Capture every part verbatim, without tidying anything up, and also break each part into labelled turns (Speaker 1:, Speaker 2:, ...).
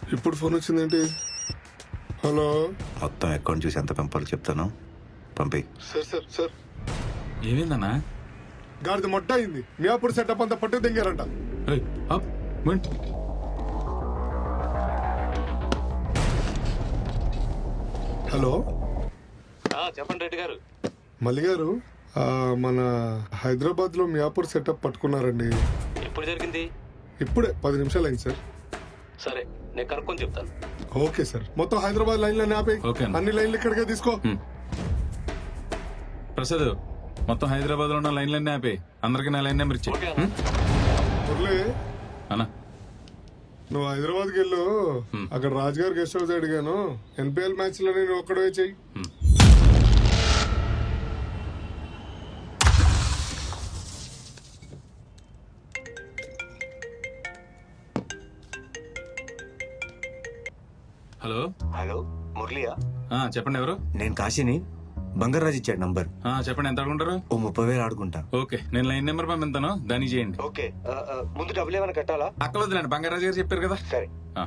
Speaker 1: ఇప్పుడు ఫోన్ వచ్చిందేంటి? హలో,
Speaker 2: మొత్తం అకౌంట్ చూసి ఎంత పంపాలో చెప్తాను, పంపి.
Speaker 1: సార్ సార్ సార్
Speaker 3: ఏమైందన్నా?
Speaker 1: గాడిద మొట్ట అయింది. మియాపూర్ సెటప్ అంతా పట్టు దింగారంట.
Speaker 3: ఏయ్, అప్, మింట్.
Speaker 1: హలో
Speaker 4: చెప్పండి రెడ్డి గారు.
Speaker 1: మల్లి గారు, ఆ, మన హైదరాబాద్ లో మియాపూర్ సెటప్ పట్టుకున్నారండి.
Speaker 4: ఎప్పుడు జరిగింది?
Speaker 1: ఇప్పుడే పది నిమిషాలు అయింది సార్.
Speaker 4: సరే, నేను కనుక్కొని చెప్తాను.
Speaker 1: Okay sir. మొత్తం హైదరాబాద్ లైన్లన్నీ ఆపే.
Speaker 3: ఓకే అన్న.
Speaker 1: అన్ని లైన్లు ఇక్కడికే తీసుకో.
Speaker 3: హ్మ్. ప్రసాద్, మొత్తం హైదరాబాద్ లో ఉన్న లైన్లన్నీ ఆపే. అందరికి నా లైన్ నెంబర్ ఇచ్చే.
Speaker 4: ఓకే అన్న.
Speaker 1: మురళి,
Speaker 3: అన్నా,
Speaker 1: నువ్వు హైదరాబాద్కి వెళ్ళు. అక్కడ రాజుగారి గెస్ట్ హౌస్ అడిగాను. ఎన్పిఎల్ మ్యాచ్ లో నేను ఒక్కడే చెయ్యి.
Speaker 3: హలో.
Speaker 2: హలో, మురళియా?
Speaker 3: ఆ, చెప్పండి, ఎవరు?
Speaker 2: నేను కాశీని. బంగారాజు ఇచ్చాడు నంబర్.
Speaker 3: ఆ, చెప్పండి, ఎంత అడుగుంటారు?
Speaker 2: ఓ ముప్పై వేలు ఆడుకుంటా.
Speaker 3: ఓకే, నేను లైన్ నెంబర్ పంపిస్తాను, దాన్ని చేయండి.
Speaker 2: ఓకే, ముందు డబ్బులు ఏమైనా కట్టాలా?
Speaker 3: అక్కడ వద్దులేండి, బంగారాజు గారు చెప్పారు కదా.
Speaker 2: సరే.
Speaker 3: ఆ.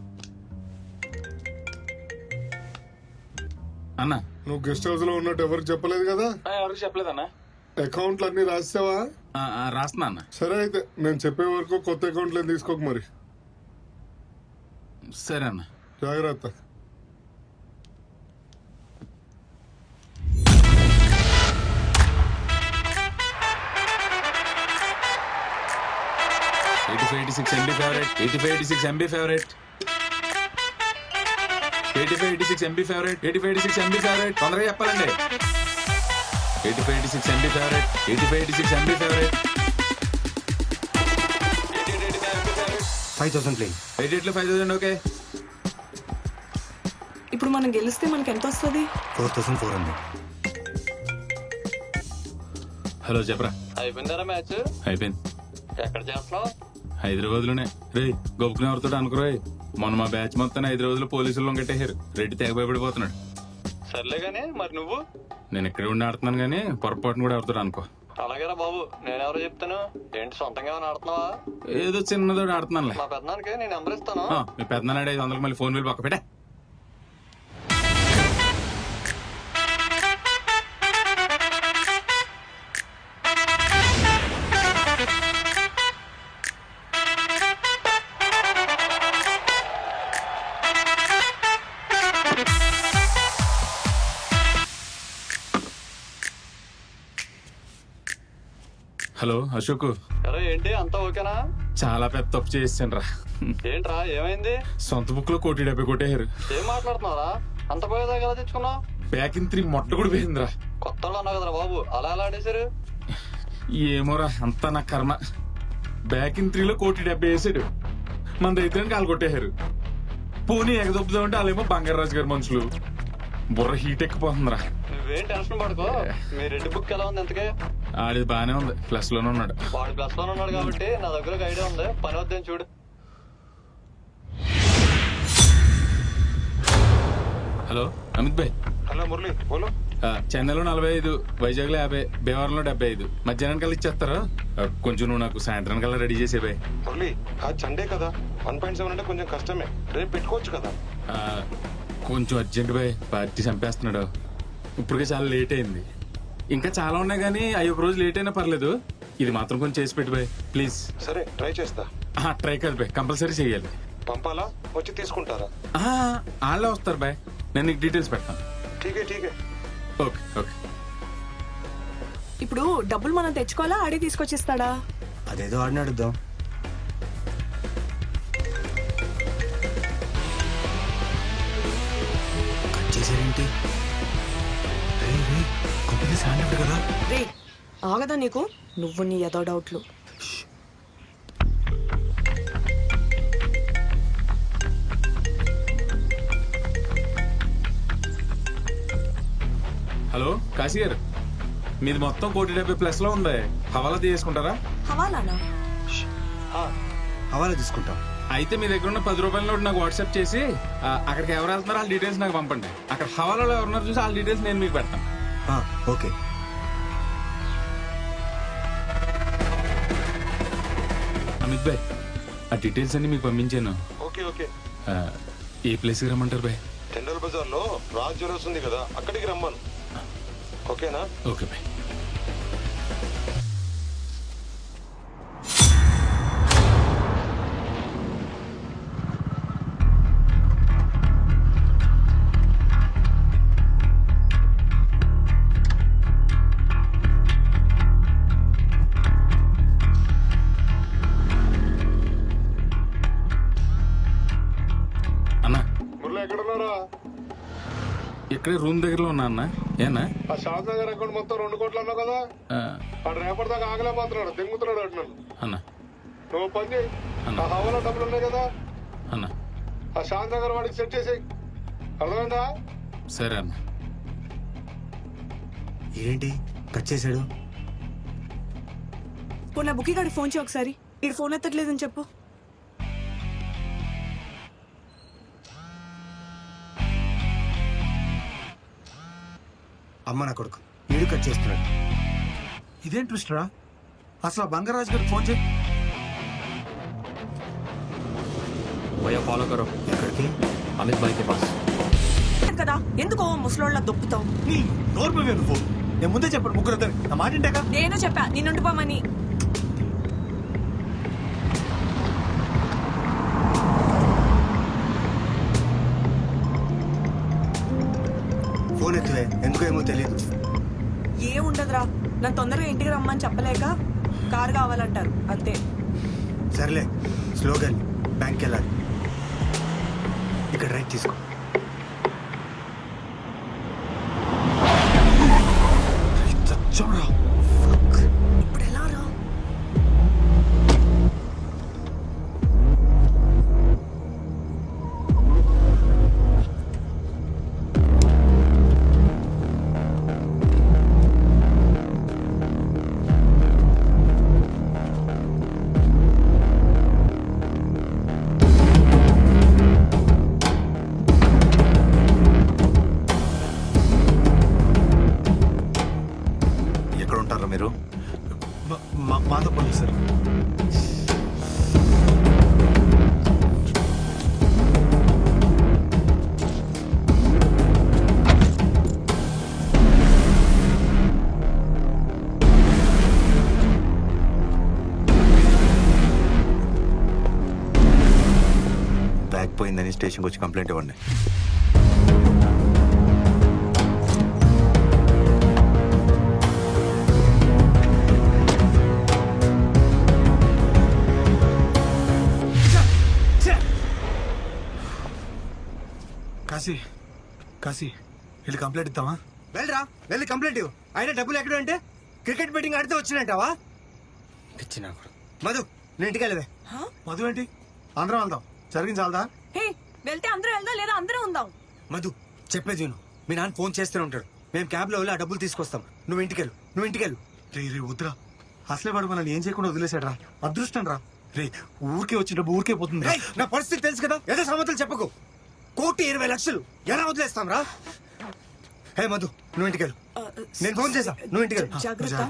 Speaker 3: అన్నా,
Speaker 1: నువ్వు గెస్ట్ హౌస్ లో ఉన్నట్టు ఎవరికి చెప్పలేదు కదా?
Speaker 3: ఆ, ఎవరికి చెప్పలేదన్నా.
Speaker 1: అకౌంట్లు అన్ని రాసావా?
Speaker 3: ఆ, ఆ, రాస్తున్నా అన్న.
Speaker 1: సరే అయితే నేను చెప్పే వరకు కొత్త అకౌంట్లు ఏం తీసుకోక మరి.
Speaker 3: సరే అన్న.
Speaker 1: జాగ్రత్త.
Speaker 3: Eighty five eighty six MB favourite. Eighty five eighty six MB favourite. Eighty five eighty six MB favourite. Eighty five eighty six MB favourite. తొందరగా చెప్పాలండి. Eighty five eighty six MB favourite. Eighty five eighty six MB favourite.
Speaker 2: Five thousand please.
Speaker 3: Eighty ఎయిట్లో five thousand. Okay.
Speaker 5: ఇప్పుడు మనం గెలిస్తే మనకి ఎంత వస్తుంది?
Speaker 2: Four thousand four hundred.
Speaker 3: Hello, చెప్పరా.
Speaker 4: అయిపోయిందారా మ్యాచ్?
Speaker 3: అయిపోయింది.
Speaker 4: ఎక్కడ చేస్తున్నావు?
Speaker 3: హైదరాబాద్ లోనే. రే, గొప్పకుని ఎవరితో అనుకురాయి. మొన్న మా బ్యాచ్ మొత్తం హైదరాబాద్ లో పోలీసులు కట్టేశారు. రెడ్డి తెగ భయపడిపోతున్నాడు.
Speaker 4: సర్లే గానీ మరి నువ్వు?
Speaker 3: నేను ఇక్కడ ఉండి ఆడుతున్నాను కానీ పొరపాటును కూడా ఎవరితో అనుకో.
Speaker 4: అలాగేరా బాబు, నేనెవరో చెప్తాను. ఏంటి సొంతంగా ఏమైనా ఆడుతున్నావా?
Speaker 3: ఏదో చిన్నదో ఆడుతున్నానులే.
Speaker 4: మా పెద్దనానికి నేను నెంబర్ ఇస్తాను.
Speaker 3: ఆ, మీ పెద్దనాడు ఐదు వందలకు మళ్ళీ ఫోన్ బిల్ పక్క పెట్టా. హలో అశోక్.
Speaker 4: అరే ఏంటి అంతా ఓకేనా?
Speaker 3: చాలా పెద్ద తప్పు చేసాను రా.
Speaker 4: ఏంట్రా ఏమైంది?
Speaker 3: సొంత బుక్ లో కోటి డెబ్బై కొట్టేశారు.
Speaker 4: ఏం మాట్లాడుతున్నారా? అంత పోయేదా కదా తెచ్చుకున్నావు?
Speaker 3: బ్యాక్ ఇన్ త్రీ మొట్ట కూడా పోయిందిరా.
Speaker 4: కొత్త అన్నావు కదరా బాబు, అలా ఎలా ఆడేశారు?
Speaker 3: ఏమోరా, అంతా నా కర్మ. బ్యాక్ ఇన్ త్రీలో కోటి డెబ్బై వేసాడు. మన దగ్గర కాలు కొట్టేశారు. పోనీ ఎగదొప్పుదామంటే వాళ్ళేమో బంగారాజు గారి మనుషులు. బుర్ర హీట్ ఎక్కిపోతుందిరా.
Speaker 4: నువ్వేం టెన్షన్ పడుకో. మీ రెడ్డి బుక్ ఎలా ఉంది ఎంతకే?
Speaker 3: ఆడిది బానే ఉంది, ప్లస్ లోనే ఉన్నాడు.
Speaker 4: వాడు ప్లస్ లో ఉన్నాడు కాబట్టి నా దగ్గర ఒక ఐడియా ఉంది, పని వద్దని చూడు.
Speaker 3: హలో అమిత్ భాయ్.
Speaker 1: హలో మురళి, బోలో.
Speaker 3: ఆ, చెన్నైలో నలభై ఐదు, వైజాగ్ లో యాభై, భీమవరంలో డెబ్బై ఐదు. మధ్యాహ్నం కల్లా ఇచ్చేస్తారా? ఆ, కొంచెం నువ్వు నాకు సాయంత్రం కల్లా రెడీ చేసే బాయ్.
Speaker 6: మురళి, ఆ సండే కదా, వన్ పాయింట్ సెవెన్ అంటే కొంచెం కష్టమే. రేపు పెట్టుకోవచ్చు కదా.
Speaker 3: ఆ, కొంచెం అర్జెంట్ బాయ్, పార్టీ చంపేస్తున్నాడు. ఇప్పటికే చాలా లేట్ అయింది. ఇంకా చాలా ఉన్నాయి కానీ అవి ఒక రోజు లేట్ అయినా పర్లేదు. ఇది మాత్రం కొంచెం చేసి పెట్టి బాయ్ ప్లీజ్.
Speaker 6: సరే, ట్రై చేస్తా.
Speaker 3: ట్రై కాదు బాయ్, కంపల్సరీ చెయ్యాలి.
Speaker 6: పంపాలా, వచ్చి తీసుకుంటారా?
Speaker 3: వాళ్ళే వస్తారు బాయ్, నేను నీకు డీటెయిల్స్ పెడతాను.
Speaker 6: ఠీకే ఠీకే.
Speaker 3: Okay okay.
Speaker 5: ఇప్పుడు డబ్బులు మనం తెచ్చుకోవాలా, ఆడే తీసుకొచ్చిస్తాడా?
Speaker 2: అదేదో ఆడిని అడుగుదాం. కట్ చేశారేంటి? రే, రే, కంపెనీ సాండ్ కదా.
Speaker 5: రే ఆగదా నీకు? నువ్వు నీ ఏదో డౌట్లు.
Speaker 3: హలో కాశీ గారు, మీది మొత్తం కోటి డెబ్బై ప్లస్ లో ఉంది. హవాలా తీసుకుంటారా?
Speaker 5: హవాలానా?
Speaker 2: హవాలా తీసుకుంటాం.
Speaker 3: అయితే మీ దగ్గర ఉన్న పది రూపాయల నోటు నాకు వాట్సాప్ చేసి ఆ, అక్కడికి ఎవరు వెళ్తున్నారో వాళ్ళ డీటెయిల్స్ నాకు పంపండి. అక్కడ హవాలాలో ఎవరున్నారు చూసి వాళ్ళ డీటెయిల్స్ నేను మీకు పెడతాను.
Speaker 2: ఓకే.
Speaker 3: అమిత్ భాయ్, ఆ డీటెయిల్స్ అన్ని మీకు పంపించాను.
Speaker 6: Okay okay.
Speaker 3: ఆ, ఏ ప్లేస్కి రమ్మంటారు బాయ్?
Speaker 6: టెండల్ బజార్ లో రాజ్ జ్యువెలర్స్ ఉంది కదా, అక్కడికి రమ్మను. ఓకేనా?
Speaker 3: Okay bye. అన్నా,
Speaker 1: మురళి ఎక్కడున్నారా?
Speaker 3: ఇక్కడే రూమ్ దగ్గరలో ఉన్నా అన్న. ఏనా?
Speaker 1: ఆ షాద్ నగర్ అకౌంట్ మొత్తం రెండు కోట్లు అన్నావు కదా,
Speaker 3: ఆ,
Speaker 1: వాడు రేపటి దాకా ఆగలేకపోతున్నాడు, దింగుతున్నాడు అంటున్నాను.
Speaker 3: అన్న
Speaker 1: నువ్వు పని చేయి,
Speaker 3: అన్న.
Speaker 1: ఆ హవాలా డబ్బులు ఉన్నాయి కదా,
Speaker 3: అన్న
Speaker 1: ఆ షాద్ నగర్ వాడికి సెట్ చేసేయి. అర్థమైందా?
Speaker 3: సరే అన్న.
Speaker 2: ఏంటి కట్ చేశాడు?
Speaker 5: పోనీ నా బుక్కి గారికి ఫోన్ చేయి ఒకసారి. ఇటు ఫోన్ ఎత్తట్లేదని చెప్పు.
Speaker 2: అమ్మ నా కొడుకు వీడు కట్ చేస్తున్నాడు.
Speaker 7: ఇదేం ట్విస్ట్ రా? అసలు ఆ బంగారాజు గారికి ఫోన్ చేయి.
Speaker 4: भैया फॉलो करो
Speaker 2: ఎక్కడికి?
Speaker 4: अमित भाई के पास.
Speaker 5: కదా ఎందుకో ముసలోళ్ళ దొప్పుతావు.
Speaker 7: నీ నోరు పోవే నువ్వు. నేను ముందే చెప్పాడు ముగ్గురు ఇద్దరు నా మాట ఇంటాక.
Speaker 5: నేను చెప్పా నిన్నుండిపోమని.
Speaker 2: ఫోన్ ఎత్తువే, ఎందుకో ఏమో తెలియదు.
Speaker 5: ఏ ఉండదురా, నన్ను తొందరగా ఇంటికి రమ్మని చెప్పలేక కారు కావాలంటారు అంతే.
Speaker 2: సర్లే స్లోగా బ్యాంక్కి వెళ్ళాలి. ఇక్కడ రైట్ తీసుకో.
Speaker 7: చచ్చావురా.
Speaker 5: ఇప్పుడు ఎలా రా?
Speaker 2: ఎక్కడ ఉంటారా మీరు?
Speaker 7: మా- మా- మాతో పోలీస్ సార్.
Speaker 2: బ్యాగ్ పోయిందని స్టేషన్కి వచ్చి కంప్లైంట్ ఇవ్వండి.
Speaker 7: కాశీ కాశీ వెళ్ళి కంప్లైంట్ ఇద్దామా?
Speaker 2: వెళ్ళరా, వెళ్ళి కంప్లైంట్ ఇవ్వు. అయినా డబ్బులు ఎక్కడ అంటే క్రికెట్ బెట్టింగ్ ఆడితే వచ్చినట్టావా? మధు నేను ఇంటికి వెళ్ళవే.
Speaker 7: మధు ఏంటి? అందరం వెళ్దాం. జరిగింది చాలదా?
Speaker 5: హే, వెళ్తే అందరూ వెళ్దాం లేదా అందరూ ఉందాం.
Speaker 2: మధు చెప్పేది విను. మీ నాన్న ఫోన్ చేస్తూనే ఉంటాడు. మేము క్యాబ్లో వెళ్ళి ఆ డబ్బులు తీసుకొస్తాం. నువ్వు ఇంటికెళ్ళు, నువ్వు ఇంటికెళ్ళు.
Speaker 7: రే రే వద్దురా. అసలే వాడు మనల్ని ఏం చేయకుండా వదిలేసాడు రా. అదృష్టం రా. రే ఊరికే వచ్చి డబ్బు ఊరికే పోతుంది.
Speaker 2: రేయ్, నా పరిస్థితి తెలుసు కదా, ఏదో సమతలు చెప్పకు. కోటి ఇరవై లక్షలు ఎలా వదిలేస్తాం రా? హే మధు నువ్వు ఇంటికెళ్ళు.
Speaker 5: ఆ,
Speaker 2: నేను ఫోన్ చేసా, నువ్వు ఇంటికెళ్ళు.
Speaker 5: జాగ్రత్త.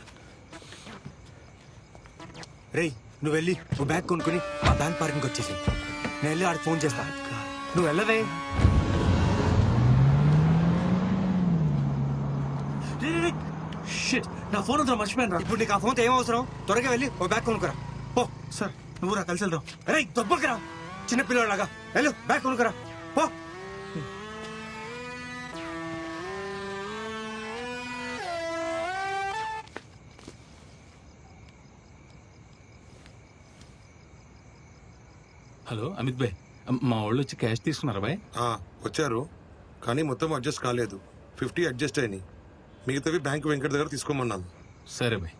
Speaker 2: రేయ్ నువ్వు వెళ్ళి నువ్వు బ్యాగ్ కొనుక్కుని ఆ బ్యాంక్ పార్కింగ్ వచ్చేసి నేను వెళ్ళి ఆడికి ఫోన్ చేస్తా. నువ్వు వెళ్ళవే.
Speaker 7: రే, రే, రే. షిట్, నా ఫోన్ అంతా మర్చిపోయాను రా.
Speaker 2: ఇప్పుడు నీకు ఆ ఫోన్తో ఏం అవసరం? త్వరగా వెళ్ళి ఓ బ్యాగ్ కొనుక్కురా పో.
Speaker 7: సార్ నువ్వు రా, కలిసి వెళ్దాం.
Speaker 2: రే దొబ్బకురా, చిన్న పిల్లలాగా వెళ్ళు బ్యాగ్ కొనుక్కురా పో.
Speaker 3: హలో అమిత్ భాయ్, మా వాళ్ళు వచ్చి క్యాష్ తీసుకున్నారా బాయ్?
Speaker 6: ఆ, వచ్చారు కానీ మొత్తం అడ్జస్ట్ కాలేదు. ఫిఫ్టీ అడ్జస్ట్ అయినాయి. మిగతావి బ్యాంక్ వెంకట దగ్గర తీసుకోమన్నాను.
Speaker 3: సరే బాయ్.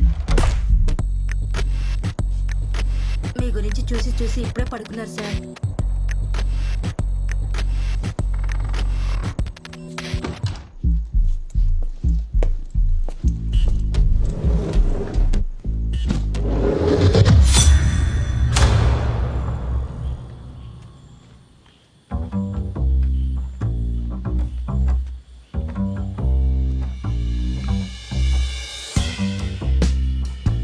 Speaker 8: మీ గురించి చూసి చూసి ఇప్పుడే పడుకున్నారు సార్.